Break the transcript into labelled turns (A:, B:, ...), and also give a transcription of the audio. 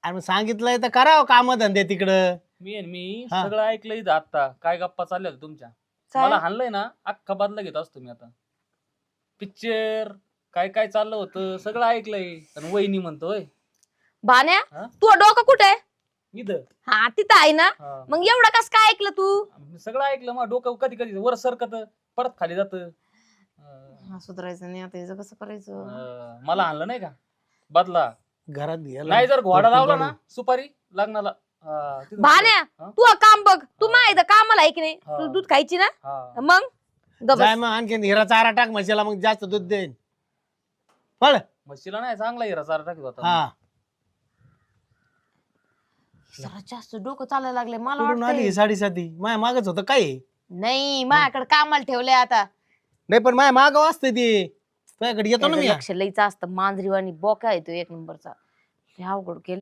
A: आणि मग सांगितलंय तर करावं काम धंदे तिकडं.
B: मी
A: हा.
B: सगळं ऐकलंय इथं आता काय गप्पा चालल्या होत्या तुमच्या.
C: काय?
B: मला हाणलंय ना अख्खा बदला घेत असतो मी आता. पिक्चर काय काय चाललं होतं सगळं ऐकलंय. आणि वहिनी म्हणतोय
C: भान्या
B: हा?
C: तू डोकं कुठे
B: इथं
C: हा तिथं आहे ना.
B: हा.
C: मग एवढं कस काय ऐकलं तू?
B: मी सगळं ऐकलं मग डोकं कधी कधी वर सरकत परत खाली जात.
C: सुधारायचं नाही आता, कसं करायचं?
B: मला आणलं नाही का बदला.
A: घरात गेला
B: नाही जर घोडा
A: तो
B: लावला
A: काढून.
B: ना सुपारी लग्नाला तिथं
C: भान्या
B: हा?
C: तू काम बघ, तू माहिती कामाला आहे की नाही?
B: हा.
C: तू दूध खायची ना
B: हा.
C: मग गबस.
A: जाय मग आणखीन हिरा चारा टाक म्हशीला, मग जास्त दूध देईन. पळ.
B: म्हशीला नाही चांगला हिरा चारा टाकत होता.
A: हा
C: जरा जास्त डोकं चालायला लागले मला
A: कुठून आली
C: वाटतंय.
A: साडेसाती? माया मागच होतं काय हे?
C: नाही माझ्याकडे कामाला ठेवलंय आता.
A: नाही पण माया माग वाजते ते. तुझ्याकडे येतो ना
C: त्याचं
A: मी.
C: लक्ष लईच असतं. मांजरीवाणी बोका येतो एक नंबरचा. लय अवघड केलं.